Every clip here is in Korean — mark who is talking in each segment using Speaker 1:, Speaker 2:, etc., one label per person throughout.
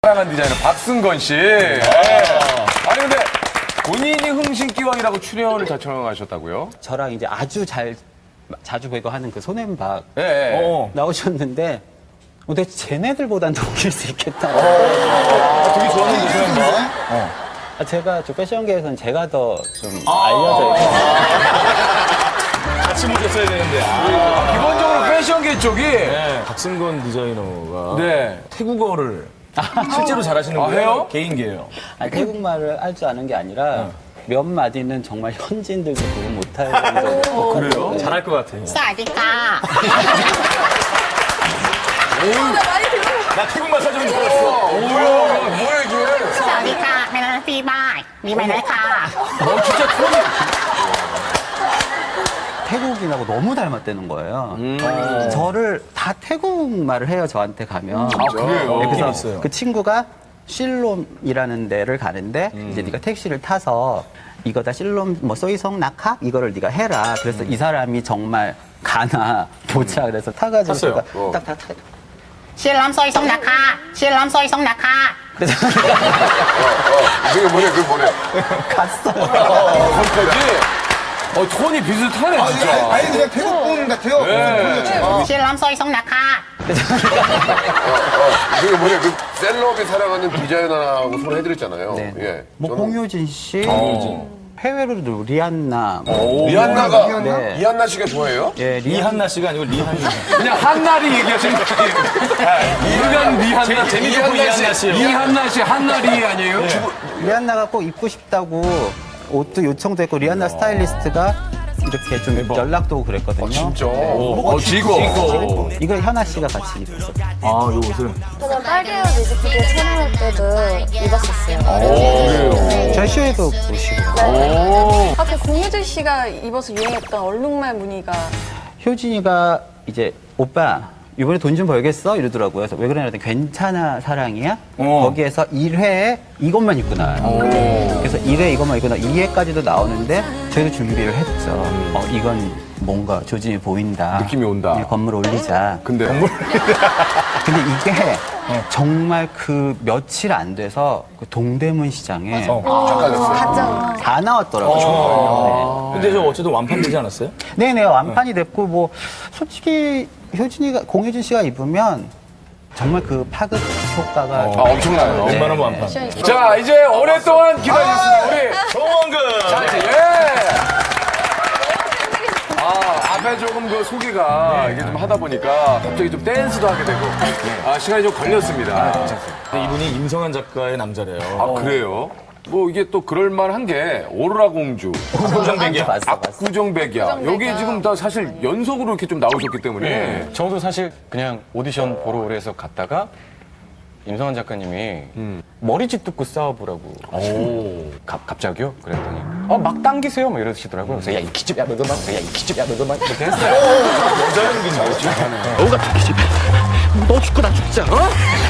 Speaker 1: 사랑한 디자이너 박승건 씨. 아니 근데 본인이 흥신기왕이라고 출연을 자청하셨다고요?
Speaker 2: 저랑 이제 아주 자주 배우하는 그 손앤박
Speaker 1: 예.
Speaker 2: 나오셨는데 근데 쟤네들보단 더 웃길 수 있겠다.
Speaker 1: 되게 좋아하는 분인가?
Speaker 2: 제가 저 패션계에서는 제가 더 좀 알려져 있고
Speaker 3: 같이 모셨어야 되는데.
Speaker 1: 기본적으로 패션계 쪽이
Speaker 3: 박승건 디자이너가
Speaker 1: 네.
Speaker 3: 태국어를 실제로 잘하시는
Speaker 1: 아,
Speaker 3: 거예요?
Speaker 1: 해요?
Speaker 3: 개인기예요.
Speaker 2: 태국말을 할 줄 아는 게 아니라 몇 마디는 정말 현지인들도 구분 못할 정도로.
Speaker 1: 그래요?
Speaker 3: 잘할 것 같아.
Speaker 4: สวัสดีค่ะ
Speaker 3: 나 태국말 사전 줄 알았어.
Speaker 1: 뭐야 이게?
Speaker 4: สวัสดีค่ะไม่ได้ฟีบ้ายมีไม่ได้ค่ะ
Speaker 1: 진짜 톤이
Speaker 2: 태국인하고 너무 닮았다는 거예요. 저를 다 태국말을 해요, 저한테 가면.
Speaker 1: 그래요?
Speaker 2: 네,
Speaker 3: 느낌
Speaker 2: 그래서
Speaker 3: 있어요.
Speaker 2: 그 친구가 실롬이라는 데를 가는데 이제 네가 택시를 타서 이거다 실롬 뭐 소이성 낙하 이거를 네가 해라. 그래서 이 사람이 정말 가나 보자. 그래서 타가지고
Speaker 3: 탔어요?
Speaker 2: 제가 딱
Speaker 4: ชื่อล้ำซอยสงนะคะชื่อล้ำซอยสงนะคะ
Speaker 1: 그게 뭐냐?
Speaker 2: 갔어요.
Speaker 1: 거기까지? 톤이 비슷하네 진짜.
Speaker 5: 아니 그냥 태국분 같아요.
Speaker 4: ชื่อล้ำซอยสงนะคะ
Speaker 6: 그게 뭐냐, 그 셀럽이 사랑하는 디자이너라고 소개해드렸잖아요.
Speaker 2: 네.
Speaker 6: 예.
Speaker 2: 뭐
Speaker 6: 저는
Speaker 2: 공효진 씨, 해외로도 리안나,
Speaker 6: 리안나가,
Speaker 2: 네.
Speaker 6: 이한나 씨가 좋아해요?
Speaker 2: 예,
Speaker 3: 이한나 씨가 아니고 리한나.
Speaker 1: 그냥 한나리 얘기하시는 거예요. 일간 리한나.
Speaker 3: 재미있고 이한나 씨요.
Speaker 1: 이한나 씨 한나리 아니에요?
Speaker 2: 리안나가 꼭 입고 싶다고 옷도 요청도 했고 리안나 스타일리스트가 이렇게 좀 연락도 오고 그랬거든요.
Speaker 6: 진짜.
Speaker 1: 지고.
Speaker 2: 이걸 현아 씨가 같이 입었어요.
Speaker 3: 아, 요 옷을.
Speaker 7: 저는 빨개요 뮤직비디오 촬영할 때도 입었었어요.
Speaker 2: 저희 쇼에도 보시고.
Speaker 7: 아까 공효진 씨가 입어서 유행했던 얼룩말 무늬가
Speaker 2: 효진이가 이제 오빠 이번에 돈 좀 벌겠어? 이러더라고요. 그래서 왜 그러냐 했더니 괜찮아 사랑이야? 거기에서 1회에 이것만 입고 나와요. 그래서 1회 이것만 입고 나 2회까지도 나오는데 저희도 준비를 했죠. 이건 뭔가 조짐이 보인다.
Speaker 1: 느낌이 온다.
Speaker 2: 네, 건물 올리자.
Speaker 1: 근데
Speaker 2: 근데 이게 정말 그 며칠 안 돼서 그 동대문 시장에
Speaker 7: 가짜
Speaker 2: 다 나왔더라고요.
Speaker 3: 근데 저 어쨌든 완판되지 않았어요?
Speaker 2: 네네 완판이 됐고 뭐 솔직히 공효진 씨가 입으면 정말 그 파급 효과가
Speaker 1: 엄청나요.
Speaker 3: 웬만하면 완판.
Speaker 1: 자 이제 오랫동안 기다리셨습니다. 우리
Speaker 3: 정원근!
Speaker 1: 자, 이제 앞에 조금 그 소개가 이게 좀 하다 보니까 갑자기 좀 댄스도 하게 되고 시간이 좀 걸렸습니다.
Speaker 3: 근데 이분이 임성한 작가의 남자래요.
Speaker 1: 그래요? 뭐 이게 또 그럴만한 게 오로라 공주,
Speaker 3: 고정뱅이야.
Speaker 2: 봤어.
Speaker 1: 구정백이야. 여기 지금 다 사실 연속으로 이렇게 좀 나오셨기 때문에
Speaker 8: 저도 사실 그냥 오디션 보러 오래 해서 갔다가 임성환 작가님이 머리짓 듣고 싸워보라고. 갑자기요? 그랬더니 막 당기세요? 막 이러시더라고요. 그래서 야 이 기집야 너도 막, 야 이 기집야 너도 막 이렇게 했어요.
Speaker 3: 여자 연기인 줄 알았죠?
Speaker 8: 너가 다 기집애. 너 죽고 나 죽자. 어?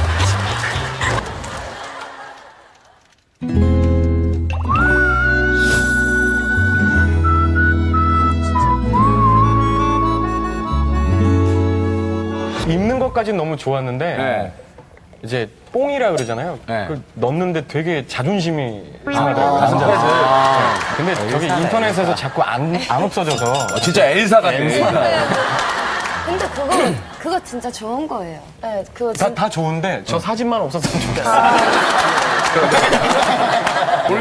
Speaker 8: 입는 것까지는 너무 좋았는데
Speaker 1: 네.
Speaker 8: 이제 뽕이라 그러잖아요.
Speaker 1: 네.
Speaker 8: 그걸 넣는데 되게 자존심이 상하더라고요. 남자라서. 근데 저기 인터넷에서 자꾸 안 없어져서
Speaker 1: 진짜 엘사 같네.
Speaker 7: 근데 그거 진짜 좋은 거예요. 네, 그거
Speaker 8: 다 좋은데 저 사진만 없었으면 좋겠어요.